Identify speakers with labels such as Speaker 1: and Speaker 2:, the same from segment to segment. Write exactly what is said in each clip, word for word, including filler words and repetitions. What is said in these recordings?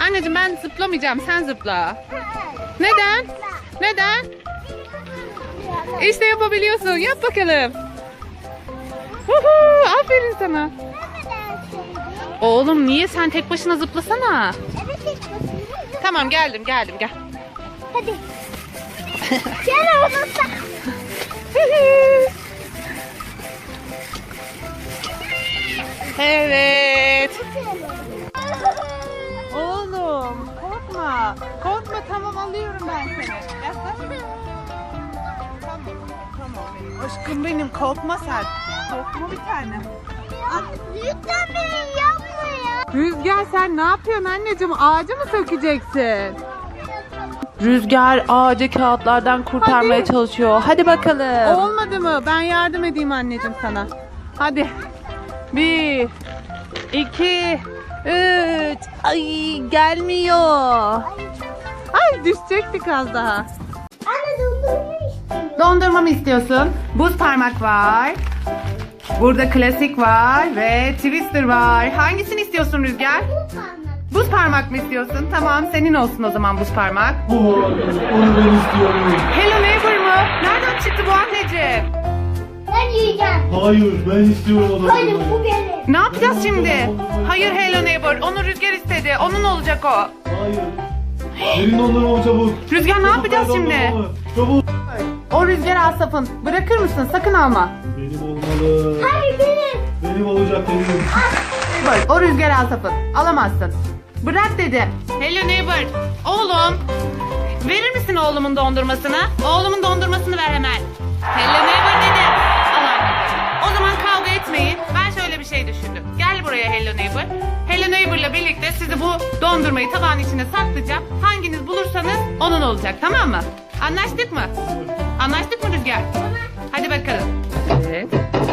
Speaker 1: Anneciğim ben zıplamayacağım. Sen zıpla. Neden? Neden? İşte yapabiliyorsun. Yap bakalım. Huhu, aferin sana. Oğlum niye sen tek başına zıplasana?
Speaker 2: Evet, tek başına.
Speaker 1: Tamam geldim geldim gel.
Speaker 2: Hadi. Gel oğlum.
Speaker 1: Evet. Oğlum korkma. Korkma tamam alıyorum ben seni. Yaklaş. Tamam tamam benim aşkım benim korkma sen. Korkma bir tane.
Speaker 2: Lütfen beni yapma ya.
Speaker 1: Rüzgar sen ne yapıyorsun anneciğim? Ağacı mı sökeceksin? Rüzgar ağacı kağıtlardan kurtarmaya Hadi. çalışıyor. Hadi bakalım. Olmadı mı? Ben yardım edeyim anneciğim sana. Hadi. Bir, iki, üç. Ay gelmiyor. Ay düşecektik az daha.
Speaker 2: Anne dondurma istiyorum.
Speaker 1: Dondurma mı istiyorsun? Buz parmak var. Burada klasik var ve twister var. Hangisini istiyorsun Rüzgar?
Speaker 2: Bu parmak.
Speaker 1: Buz parmak mı istiyorsun? Tamam senin olsun o zaman buz parmak.
Speaker 3: Bu onu ben istiyorum.
Speaker 1: Hello Neighbor mu? Nereden çıktı bu anneciğim?
Speaker 2: Ben yiyeceğim.
Speaker 3: Hayır ben istiyorum onu.
Speaker 2: Hayır bu benim.
Speaker 1: Ne yapacağız şimdi? Hayır Hello Neighbor. Onu Rüzgar istedi. Onun olacak o.
Speaker 3: Hayır. Verin dondurmamı çabuk.
Speaker 1: Rüzgar ne
Speaker 3: Çabuk
Speaker 1: yapacağız
Speaker 3: ver
Speaker 1: şimdi?
Speaker 3: dondurmamı. Çabuk.
Speaker 1: O Rüzgar Asaf'ın. Bırakır mısın? Sakın alma.
Speaker 3: Benim olmalı.
Speaker 2: Hayır benim.
Speaker 3: Benim olacak benim.
Speaker 1: Bak o Rüzgar Asaf'ın. Alamazsın. Bırak dedi. Hello Neighbor. Oğlum. Verir misin oğlumun dondurmasını? Oğlumun dondurmasını ver hemen. Hello Neighbor dedi. Al anneciğim. O zaman kavga etmeyin. Ben şöyle bir şey düşündüm. Gel buraya Hello Neighbor. Hello Neighbor'la birlikte sizi bu dondurmayı tabağın içine saklayacağım. Hanginiz bulursanız onun olacak, tamam mı? Anlaştık mı? Anlaştık mı Rüzgar? Hadi bakalım. Evet.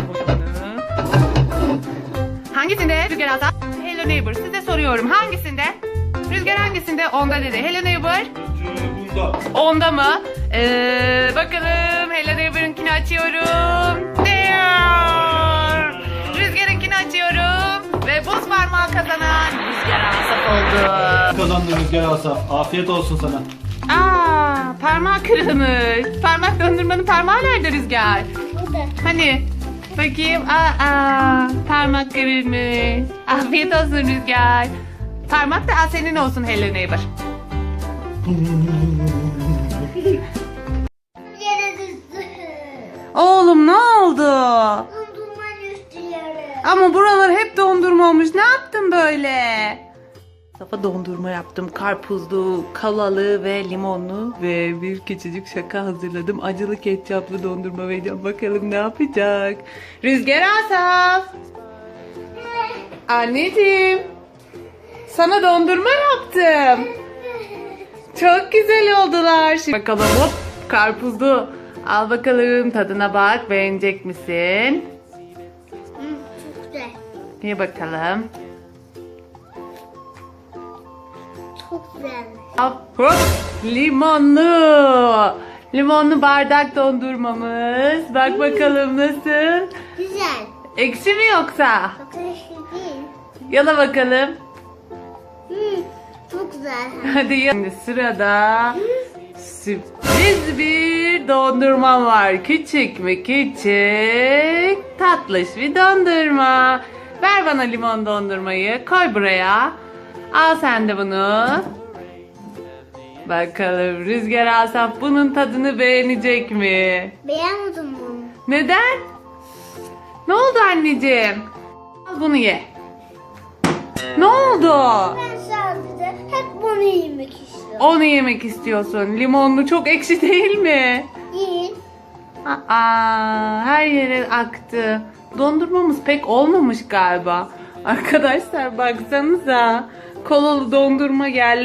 Speaker 1: Hangisinde Rüzgar Asaf? Hello Neighbor. Size soruyorum. Hangisinde? Rüzgar hangisinde? Onda dedi. Hello Neighbor.
Speaker 3: Bence bunda.
Speaker 1: Onda mı? Ee, bakalım. Hello Neighbor'ınkini açıyorum. Diyor. Rüzgar'ınkini açıyorum. Ve buz parmağı kazanan Rüzgar Asaf oldu.
Speaker 3: Kazandın Rüzgar Asaf. Afiyet olsun sana.
Speaker 1: Aa, parmağı kırılmış. Parmak dondurmanın parmağı nerede Rüzgar?
Speaker 2: Burada.
Speaker 1: Hani bakayım. Aa, parmak kırılmış. Afiyet olsun Rüzgar. Parmak da senin olsun Hello Neighbor.
Speaker 2: Yere düştü.
Speaker 1: Oğlum ne oldu?
Speaker 2: Dondurma düştü yere.
Speaker 1: Ama buralar hep dondurma olmuş. Ne yaptın böyle? Safa dondurma yaptım. Karpuzlu, kalalı ve limonlu ve bir küçücük şaka hazırladım. Acılı ketçaplı dondurma vereceğim. Bakalım ne yapacak? Rüzgar Asaf. Anneciğim. Sana dondurma yaptım. Çok güzel oldular. Şimdi bakalım hop karpuzlu. Al bakalım tadına bak. Beğenecek misin?
Speaker 2: Hı, çok güzel.
Speaker 1: Bir bakalım.
Speaker 2: Çok güzel.
Speaker 1: Al, hop limonlu. Limonlu bardak dondurmamız. Bak bakalım nasıl?
Speaker 2: Güzel.
Speaker 1: Ekşi mi yoksa?
Speaker 2: Çok ekşi değil.
Speaker 1: Yala bakalım.
Speaker 2: Hı, çok güzel.
Speaker 1: Hadi ya. Şimdi sırada sürpriz bir dondurma var. Küçük mü küçük, tatlış bir dondurma. Ver bana limon dondurmayı. Koy buraya. Al sen de bunu. Bakalım Rüzgar Asaf bunun tadını beğenecek mi?
Speaker 2: Beğenmedim bunu.
Speaker 1: Neden? Ne oldu anneciğim? Al bunu ye. Ne oldu?
Speaker 2: Ben sadece hep bunu yemek istiyorum.
Speaker 1: Onu yemek istiyorsun. Limonlu çok ekşi değil mi?
Speaker 2: Yiyin.
Speaker 1: Aa, her yere aktı. Dondurmamız pek olmamış galiba. Arkadaşlar baksanıza. Kolalı dondurma geldi.